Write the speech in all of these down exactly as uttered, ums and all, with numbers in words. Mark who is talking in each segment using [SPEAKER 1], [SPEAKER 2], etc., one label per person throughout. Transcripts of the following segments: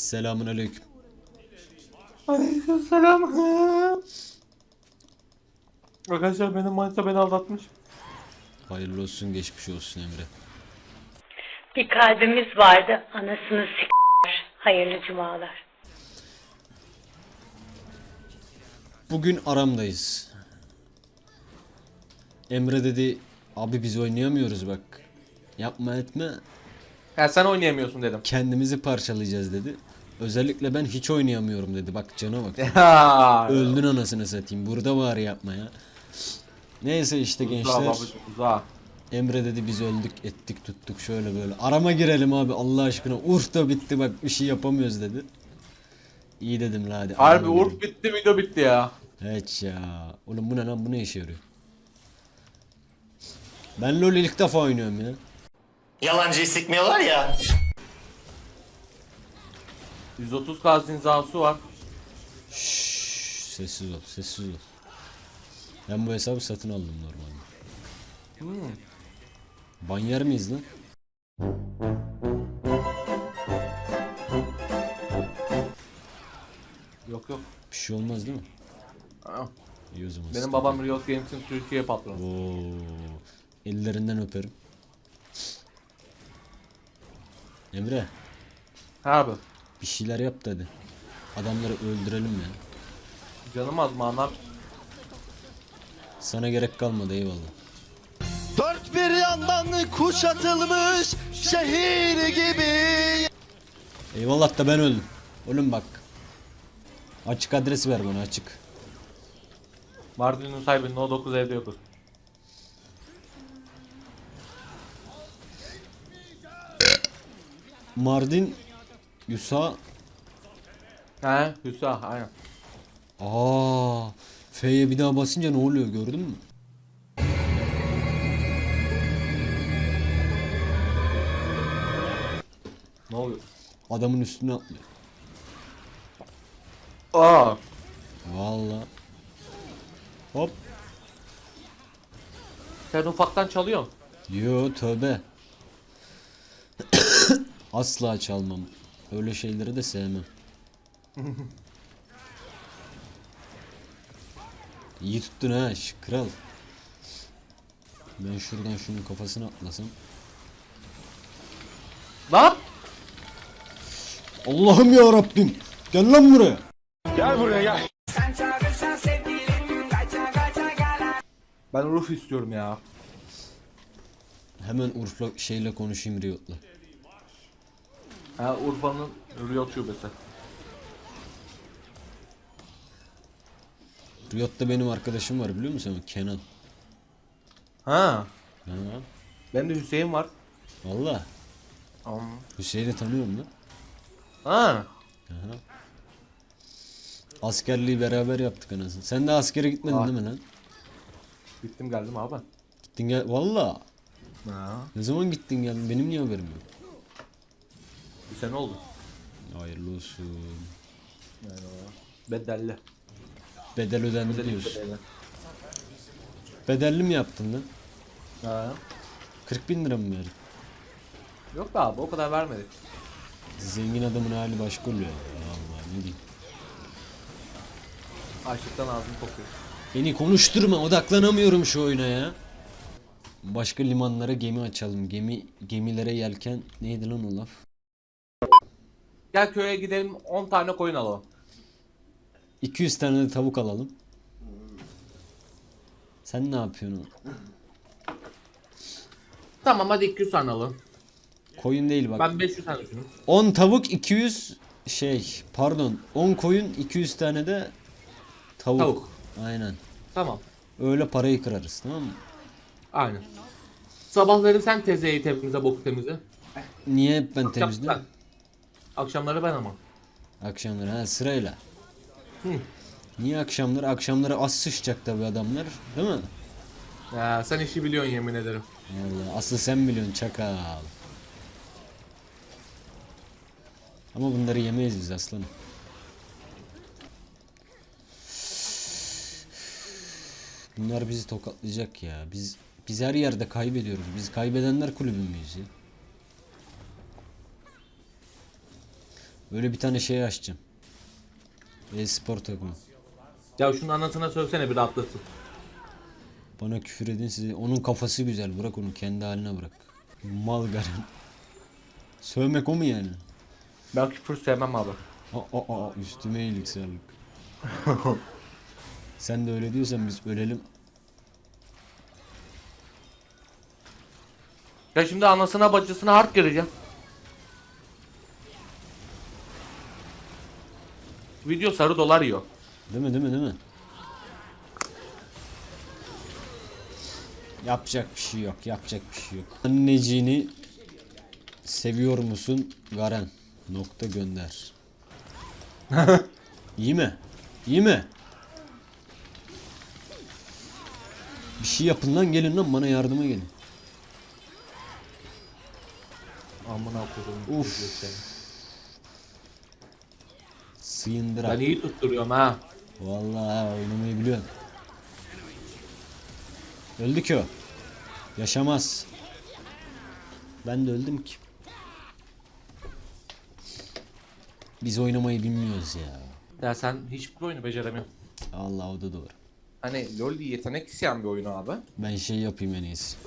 [SPEAKER 1] Selamun aleyküm.
[SPEAKER 2] Aleykümselam. Arkadaşlar benim manita beni aldatmış.
[SPEAKER 1] Hayırlı olsun, geçmiş olsun Emre.
[SPEAKER 3] Bir kalbimiz vardı, anasını s***ler. Hayırlı cumalar.
[SPEAKER 1] Bugün aramdayız. Emre dedi, abi biz oynayamıyoruz bak. Yapma etme,
[SPEAKER 2] Ya sen oynayamıyorsun dedim.
[SPEAKER 1] kendimizi parçalayacağız dedi. Özellikle ben hiç oynayamıyorum dedi. Bak cana bak.
[SPEAKER 2] Ya.
[SPEAKER 1] Öldün anasını satayım. Burada var yapma ya. Neyse işte
[SPEAKER 2] Uzağa
[SPEAKER 1] gençler.
[SPEAKER 2] babacığım, uzağa.
[SPEAKER 1] Emre dedi biz öldük ettik tuttuk şöyle böyle. Arama girelim abi Allah aşkına. Urf da bitti bak bir şey yapamıyoruz dedi. İyi dedim la hadi.
[SPEAKER 2] Harbi
[SPEAKER 1] arama
[SPEAKER 2] Urf
[SPEAKER 1] girelim.
[SPEAKER 2] bitti, video bitti ya.
[SPEAKER 1] Evet ya. Oğlum bu ne lan, bu ne işe yarıyor? Ben LoL ilk defa oynuyorum ya.
[SPEAKER 4] Yalancıyı sıkmıyorlar ya.
[SPEAKER 2] yüz otuz K zinzası var.
[SPEAKER 1] Şşş, sessiz ol sessiz ol. Ben bu hesabı satın aldım normalde.
[SPEAKER 2] Hmm.
[SPEAKER 1] Ban yer miyiz lan?
[SPEAKER 2] Yok yok.
[SPEAKER 1] Bir şey olmaz değil mi?
[SPEAKER 2] Aa,
[SPEAKER 1] İyi o zaman.
[SPEAKER 2] benim babam Riot Games'in Türkiye patronu.
[SPEAKER 1] Oo, ellerinden öperim. Emre
[SPEAKER 2] Harbi.
[SPEAKER 1] bir şeyler yap dedi. Adamları öldürelim ya.
[SPEAKER 2] Canım az manlar.
[SPEAKER 1] Sana gerek kalmadı eyvallah.
[SPEAKER 5] Dört bir yandan kuşatılmış şehir gibi.
[SPEAKER 1] Eyvallah da ben öldüm. Oğlum bak. Açık adresi ver bana açık.
[SPEAKER 2] Mardin'in sahibi No dokuz evde yokuz.
[SPEAKER 1] Mardin Yusa.
[SPEAKER 2] He Hüsa aynen.
[SPEAKER 1] Aa, F'ye bir daha basınca ne oluyor gördün mü?
[SPEAKER 2] Ne oluyor?
[SPEAKER 1] Adamın üstüne atlıyor.
[SPEAKER 2] Aa.
[SPEAKER 1] Vallahi. Hop.
[SPEAKER 2] Sen ufaktan çalıyorsun.
[SPEAKER 1] Yo tövbe. Asla çalmam. Öyle şeyleri de sevmem. İyi tuttun ha şş, kral. Ben şuradan şunun kafasına atlasam.
[SPEAKER 2] Lan!
[SPEAKER 1] Allah'ım ya Rabbim. Gel lan buraya.
[SPEAKER 2] Ben Urf istiyorum ya.
[SPEAKER 1] Hemen Urf'la şeyle konuşayım Riot'la.
[SPEAKER 2] Ha Urfa'nın Riot şubesi.
[SPEAKER 1] Riot'ta benim arkadaşım var biliyor musun? Kenan.
[SPEAKER 2] Ha.
[SPEAKER 1] Ha.
[SPEAKER 2] Benim de Hüseyin var.
[SPEAKER 1] Valla.
[SPEAKER 2] Um.
[SPEAKER 1] Hüseyin'i tanıyorum lan.
[SPEAKER 2] Ha.
[SPEAKER 1] Aha. Askerliği beraber yaptık anasını. Sen de askere gitmedin
[SPEAKER 2] Ah.
[SPEAKER 1] değil mi lan?
[SPEAKER 2] Gittim geldim abi.
[SPEAKER 1] Gittin gel. Valla.
[SPEAKER 2] Ha.
[SPEAKER 1] Ne zaman gittin geldin? Benim niye haberim yok?
[SPEAKER 2] Bir sene oldu.
[SPEAKER 1] Hayırlı olsun.
[SPEAKER 2] Yani o. Bedelli.
[SPEAKER 1] Bedel ödendi
[SPEAKER 2] Bedelli
[SPEAKER 1] diyorsun.
[SPEAKER 2] bedelli.
[SPEAKER 1] Bedelli mi yaptın lan?
[SPEAKER 2] Ha.
[SPEAKER 1] kırk bin lira mı verdin?
[SPEAKER 2] Yok be abi o kadar vermedik.
[SPEAKER 1] Zengin adamın hali başka oluyor. Allah ne diyeyim.
[SPEAKER 2] Açlıktan ağzım kokuyor.
[SPEAKER 1] Beni konuşturma, odaklanamıyorum şu oyuna ya. Başka limanlara gemi açalım. Gemi gemilere yelken neydi lan o laf?
[SPEAKER 2] Gel köye gidelim on tane koyun alalım.
[SPEAKER 1] iki yüz tane de tavuk alalım. Sen ne yapıyorsun?
[SPEAKER 2] Tamam hadi iki yüz tane alalım.
[SPEAKER 1] Koyun değil bak.
[SPEAKER 2] Ben beş yüz tane düşünüyorum.
[SPEAKER 1] on tavuk iki yüz şey pardon on koyun iki yüz tane de tavuk.
[SPEAKER 2] Tavuk.
[SPEAKER 1] Aynen.
[SPEAKER 2] Tamam.
[SPEAKER 1] Öyle parayı kırarız tamam mı?
[SPEAKER 2] Aynen. Sabahları sen tezeyi temizle, boku temizle.
[SPEAKER 1] Niye hep ben
[SPEAKER 2] Akşam
[SPEAKER 1] temizliyorum?
[SPEAKER 2] sen. Akşamları ben ama.
[SPEAKER 1] Akşamları ha sırayla.
[SPEAKER 2] Hı.
[SPEAKER 1] Niye akşamları? Akşamları az sıçacak tabi adamlar değil mi?
[SPEAKER 2] Ya, sen işi biliyorsun yemin ederim.
[SPEAKER 1] Vallahi asıl sen biliyorsun çakal. Ama bunları yemeyiz biz aslanım. Bunlar bizi tokatlayacak ya. Biz biz her yerde kaybediyoruz. Biz kaybedenler kulübü müyüz ya? Böyle bir tane şey açacağım. E-spor takımı.
[SPEAKER 2] Ya şunun anasına sövsene bir rahatlasın.
[SPEAKER 1] Bana küfür edin size. Onun kafası güzel. Bırak onu kendi haline bırak. Mal garen. Sövmek o mu yani?
[SPEAKER 2] Ben küfür sevmem abi.
[SPEAKER 1] Aa, aa, aa, üstüme iyilik sağlık. Sen de öyle diyorsan biz ölelim.
[SPEAKER 2] Ya şimdi anasına bacısına harp gireceğim. Video sarı dolar yiyor.
[SPEAKER 1] Değil mi değil mi değil mi? Yapacak bir şey yok. Yapacak bir şey yok. Anneciğini seviyor musun Garen? Nokta gönder. İyi mi? İyi mi? Bir şey yapın lan, gelin lan, bana yardıma gelin.
[SPEAKER 2] Amına koyayım.
[SPEAKER 1] Uf. Sıyındırak.
[SPEAKER 2] Ben iyi tutturuyorum ha.
[SPEAKER 1] Vallahi oynamayı biliyorsun. Öldü ki o. Yaşamaz. Ben de öldüm ki. Biz oynamayı bilmiyoruz ya.
[SPEAKER 2] Ya sen hiçbir oyunu beceremiyorsun.
[SPEAKER 1] Allah, o da doğru.
[SPEAKER 2] Hani LoL yetenek isteyen bir oyunu abi.
[SPEAKER 1] Ben şey yapayım en iyisi.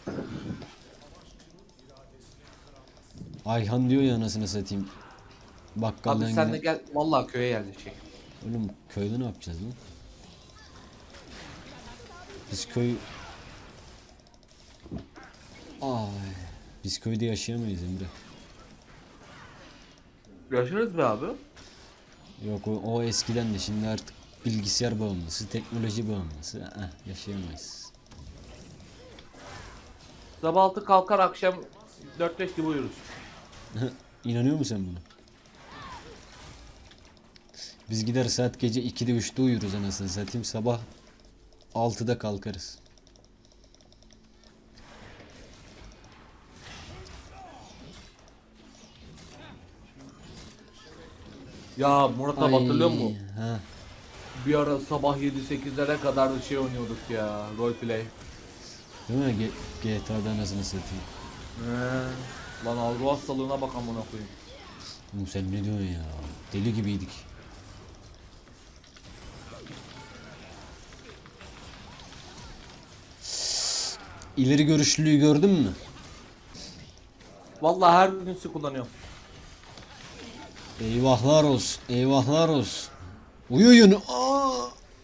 [SPEAKER 1] Ayhan diyor ya, anasını satayım. Bakkaldan
[SPEAKER 2] Abi sen de
[SPEAKER 1] giden-
[SPEAKER 2] gel vallahi köye yerleşecek.
[SPEAKER 1] Oğlum köyde ne yapacağız lan? Biz köy... Ay. Biz köyde yaşayamayız Emre.
[SPEAKER 2] Yaşarız be abi.
[SPEAKER 1] Yok, o, o eskiden de, şimdi artık bilgisayar bağımlısı, teknoloji bağımlısı. Eh, yaşayamayız.
[SPEAKER 2] Sabah altı kalkar akşam dört beş gibi uyuruz.
[SPEAKER 1] İnanıyor musun sen buna? Biz gider saat gece ikide üçte uyuruz anasını satayım, sabah altıda kalkarız.
[SPEAKER 2] Ya Murat abi hatırlıyor musun?
[SPEAKER 1] Ha.
[SPEAKER 2] Bir ara sabah yedi sekizlere kadar da şey oynuyorduk ya, roleplay.
[SPEAKER 1] Değil mi? G- GTA'da anasını satayım.
[SPEAKER 2] He. Lan algı hastalığına bak amına koyayım.
[SPEAKER 1] Oğlum sen ne diyorsun ya? Deli gibiydik. İleri görüşlülüğü gördün mü?
[SPEAKER 2] Vallahi her gün su kullanıyorum.
[SPEAKER 1] Eyvahlar olsun, eyvahlar olsun. Uyuyun. Aa!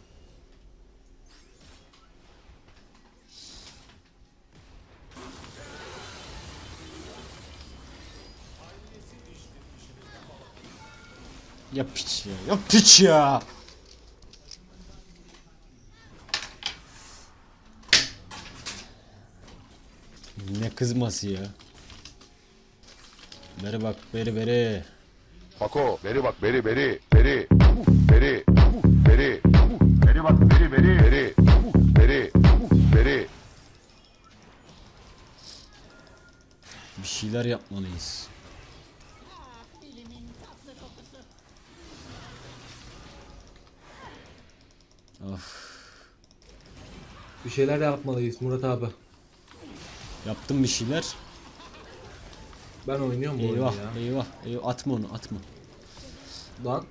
[SPEAKER 1] Ya piç ya, ya piç ya. Ne kızması ya? Beri bak, beri beri.
[SPEAKER 6] Pako, beri bak, beri, beri, beri, beri, beri, beri bak, beri, beri, beri, beri, beri.
[SPEAKER 1] Bir şeyler yapmalıyız. Of.
[SPEAKER 2] Bir şeyler yapmalıyız Murat abi.
[SPEAKER 1] Yaptım bir şeyler.
[SPEAKER 2] Ben oynuyorum bu
[SPEAKER 1] Eyvah,
[SPEAKER 2] oyunu ya.
[SPEAKER 1] eyvah, eyvah. Atma onu, atma.
[SPEAKER 2] Lan.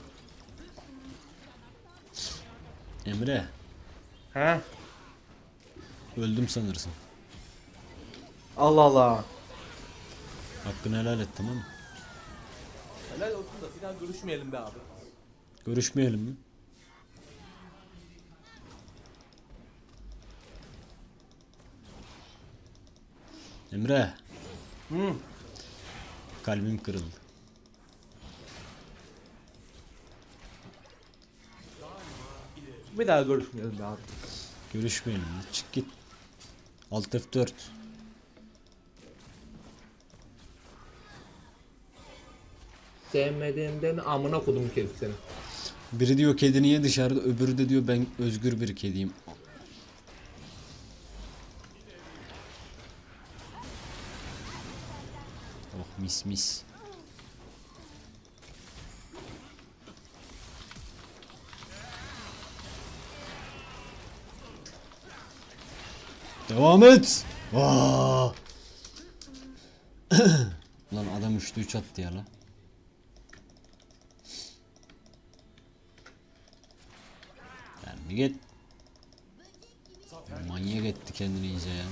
[SPEAKER 1] Emre,
[SPEAKER 2] He.
[SPEAKER 1] öldüm sanırsın.
[SPEAKER 2] Allah Allah.
[SPEAKER 1] Hakkını helal et, tamam mı?
[SPEAKER 2] Helal olsun da bir daha görüşmeyelim be abi.
[SPEAKER 1] Görüşmeyelim mi? Emre.
[SPEAKER 2] Hı.
[SPEAKER 1] Kalbim kırıldı.
[SPEAKER 2] Bir daha görüşmeyelim be abi.
[SPEAKER 1] Görüşmeyelim mi? Çık git. Alt F dört.
[SPEAKER 2] Sevmediğimden amına kodum kedi seni.
[SPEAKER 1] Biri diyor kedi niye dışarıda, öbürü de diyor ben özgür bir kediyim. Oh mis mis. Devam et. Vaa. Lan adam üçte üç attı ya lan. Bir git. Manyak etti kendini iyice ya.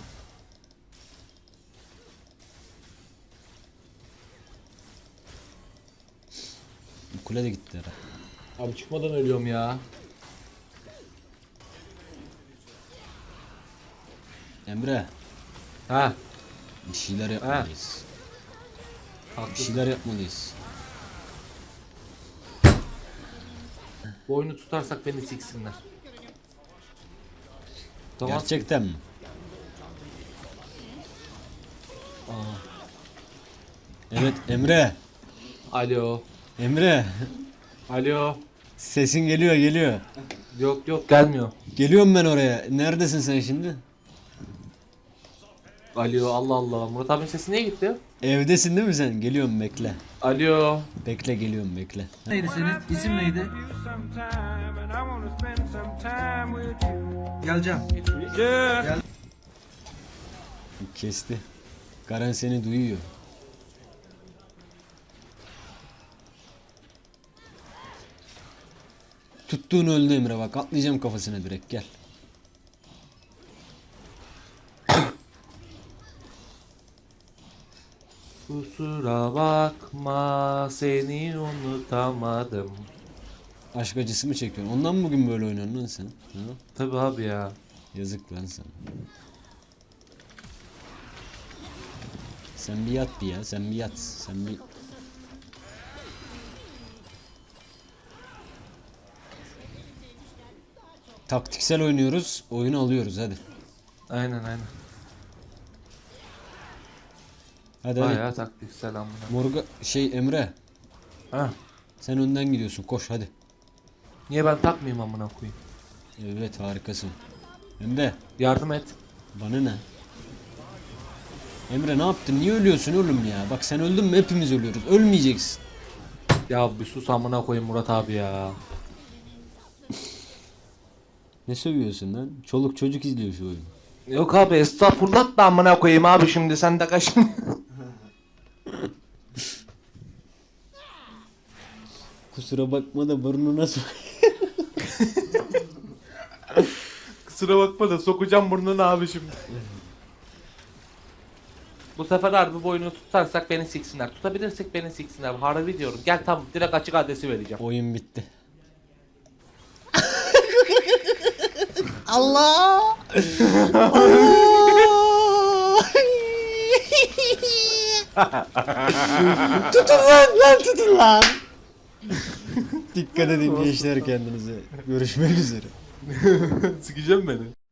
[SPEAKER 1] Bu kule de gitti herhalde.
[SPEAKER 2] Abi çıkmadan ölüyorum ya.
[SPEAKER 1] Emre,
[SPEAKER 2] Ha.
[SPEAKER 1] bir şeyler yapmalıyız. Bir
[SPEAKER 2] Haklısın.
[SPEAKER 1] şeyler yapmalıyız.
[SPEAKER 2] Bu oyunu tutarsak beni siksinler. Tamam.
[SPEAKER 1] Gerçekten mi? Evet Emre.
[SPEAKER 2] Alo.
[SPEAKER 1] Emre.
[SPEAKER 2] Alo.
[SPEAKER 1] Sesin geliyor geliyor.
[SPEAKER 2] Yok yok gelmiyor.
[SPEAKER 1] Geliyorum ben oraya. Neredesin sen şimdi?
[SPEAKER 2] Alo Allah Allah. Murat abinin sesi niye gitti?
[SPEAKER 1] Evdesin değil mi sen? Geliyorum bekle.
[SPEAKER 2] Alo.
[SPEAKER 1] Bekle geliyorum bekle.
[SPEAKER 7] Neydi senin? İsim neydi? Geleceğim.
[SPEAKER 1] Kesti. Garen seni duyuyor. Tuttuğun öldü Emre bak atlayacağım kafasına direkt gel.
[SPEAKER 2] Kusura bakma seni unutamadım.
[SPEAKER 1] Aşk acısı mı çekiyorsun? Ondan mı bugün böyle oynuyorsun lan sen? Ha?
[SPEAKER 2] Tabi abi ya.
[SPEAKER 1] Yazık lan sana. Sen bir yat bir ya sen bir yat. Sen bir... Taktiksel oynuyoruz. Oyunu alıyoruz hadi.
[SPEAKER 2] Aynen aynen.
[SPEAKER 1] Hadi hadi.
[SPEAKER 2] Bayağı taktiksel amına.
[SPEAKER 1] Morga şey Emre
[SPEAKER 2] Ha.
[SPEAKER 1] sen önden gidiyorsun koş hadi.
[SPEAKER 2] Niye ben takmayayım amına koyayım?
[SPEAKER 1] Evet harikasın. Emre
[SPEAKER 2] Yardım et.
[SPEAKER 1] bana ne? Emre ne yaptın? Niye ölüyorsun oğlum ya? Bak sen öldün mü hepimiz ölüyoruz. Ölmeyeceksin.
[SPEAKER 2] Ya bir sus amına koyayım Murat abi ya.
[SPEAKER 1] Ne sövüyorsun lan? Çoluk çocuk izliyor şu oyunu.
[SPEAKER 2] Yok abi estağfurullah da amına koyayım abi şimdi sen de kaşın.
[SPEAKER 1] Kusura bakma da burnuna sok.
[SPEAKER 2] Kusura bakma da sokacağım burnunu abi şimdi. Bu sefer harbi bu oyunu tutarsak beni siksinler. Tutabilirsek beni siksinler. Harbi diyorum. Gel tamam direkt açık adresi vereceğim.
[SPEAKER 1] Oyun bitti. Allah! Tutun lan lan tutun lan. Dikkat edin gençler kendinize. Görüşmek üzere.
[SPEAKER 2] Sikeceğim beni.